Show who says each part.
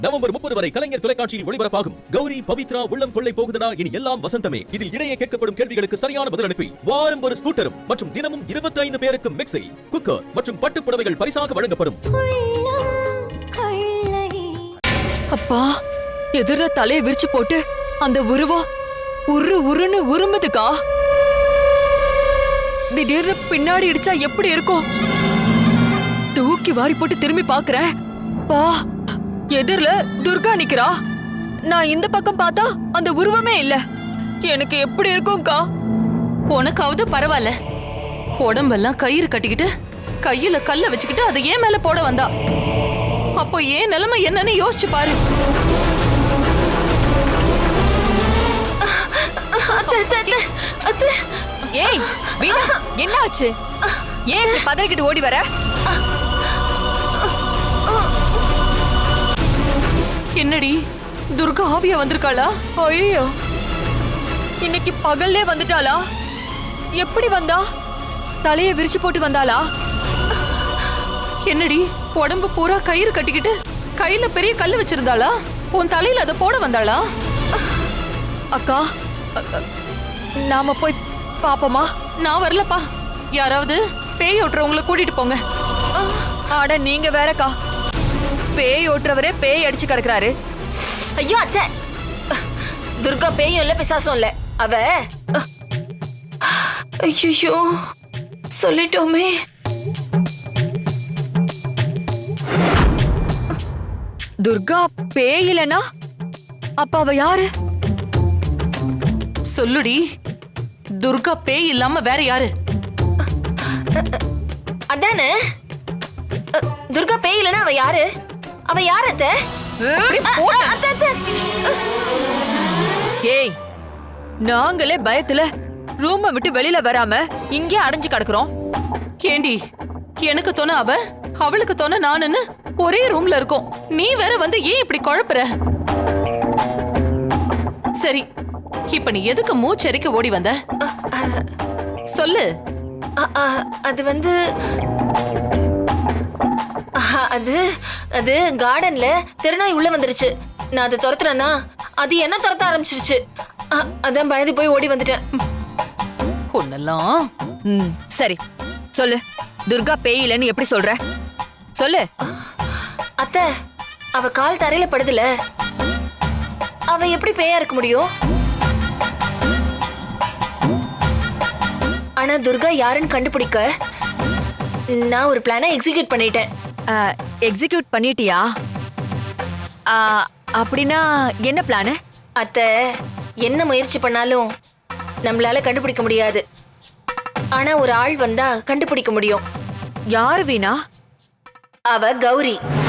Speaker 1: November 30 வரை கலைஞர் தொலைக்காட்சியில் ஒளிபரப்பாகும் கௌரி பவித்ரா உள்ளம் கொள்ளை போகுதடா இனி எல்லாம் வசந்தமே. இதில் இடையே கேட்கப்படும் கேள்விகளுக்கு சரியான பதில் அனுப்பி வாரம் ஒரு ஸ்கூட்டரும் மற்றும் தினமும் 25 பேருக்கு மிக்ஸி, குக்கர் மற்றும் பட்டுப் புடவைகள் பரிசாக வழங்கப்படும்.
Speaker 2: அப்பா, எதிர தலையை விரிச்சு போட்டு அந்த உருவம் உருன்னு உருமுதுக்கா. திடீர்னு பின்னாடி இடிச்சா எப்படி இருக்கும்? தூக்கி வாரி போட்டு திரும்பி பாக்குறேன். பா, எதிரில துர்கா நிக்கிறா. நான் இந்த பக்கம் பார்த்தா அந்த உருவமே இல்ல. எனக்கு எப்படி இருக்கும்க்கா?
Speaker 3: உனக்காவது பரவாயில்ல. உடம்பெல்லாம் கயிறு கட்டிக்கிட்டு கையில கல்ல வச்சுக்கிட்டு அதை ஏன் மேல போட வந்தா? அப்போ ஏன் நிலைமை என்னன்னு யோசிச்சு பாரு.
Speaker 2: ஏய் வீணா, என்ன ஆச்சு? ஏன் இப்படி பதறிக்கிட்டு ஓடி வர?
Speaker 3: என்னடி, துர்கா ஆவியா வந்திருக்காளா?
Speaker 2: ஐயோ, இன்னைக்கு பகல்லே வந்துட்டாளா? எப்படி வந்தா? தலையை விரிச்சு போட்டு வந்தாளா?
Speaker 3: என்னடி, உடம்பு பூரா கயிறு கட்டிக்கிட்டு கையில பெரிய கல்லு வச்சிருந்தாளா? உன் தலையில அதை போட வந்தாளா?
Speaker 2: அக்கா, நாம போய் பாப்போமா?
Speaker 3: நான் வரலப்பா. யாராவது பேய் ஓட்டுறவங்களை கூட்டிட்டு போங்க.
Speaker 2: ஆட, நீங்க வேறக்கா. பேய் ஓட்டுறவரே பேய் அடிச்சு கிடக்குறாரு.
Speaker 4: ஐயோ அத்தை, துர்கா பேயும் இல்ல பிசாசும் இல்ல. அவ ஐயோ சொல்லிட்டோமே.
Speaker 2: துர்கா பேய் இல்லனா அப்ப அவ யாரு?
Speaker 3: சொல்லுடி, துர்கா பேய் இல்லாம வேற யாரு?
Speaker 4: அதானே, துர்கா பேய் இல்லனா அவ யாரு? அவ யார் அத்தை?
Speaker 2: ஏய், நாங்களே பயத்துல ரூமை விட்டு வெளியில வராம இங்கே அடைஞ்சு கிடக்குறோம்.
Speaker 3: ஏண்டி, எனக்கு தோண அவ, அவளுக்கு தோண நானுன்னு ஒரே ரூம்ல இருக்கோம். நீ வேற வந்து ஏன் இப்படி குழப்புற? சரி, இப்ப நீ எதுக்கு மூச்சரிக்க ஓடி வந்த? சொல்லு.
Speaker 4: அது வந்து அது அது கார்டன்ல திருநாய் உள்ள வந்துருச்சு. நான் அதை துரத்துறேன்னா அது என்ன துரத்த ஆரம்பிச்சிருச்சு. அதான் பயந்து போய் ஓடி வந்துட்டேன்.
Speaker 3: ஒன்னெல்லாம்
Speaker 2: சரி சொல்லு, துர்கா பேய் இல்லைன்னு எப்படி சொல்ற? சொல்லு.
Speaker 4: அத்தை, அவ கால் தரையில படுதுல, அவ எப்படி பேயா இருக்க முடியும்? ஆனா துர்கா யாருன்னு கண்டுபிடிக்க நான் ஒரு பிளானை எக்ஸிக்யூட் பண்ணிட்டேன்.
Speaker 2: எக்ஸிக்யூட் பண்ணிட்டியா? அப்படின்னா என்ன பிளானு?
Speaker 4: அத்தை, என்ன முயற்சி பண்ணாலும் நம்மளால கண்டுபிடிக்க முடியாது. ஆனா ஒரு ஆள் வந்தா கண்டுபிடிக்க முடியும்.
Speaker 2: யாரு வீணா?
Speaker 4: அவ கௌரி.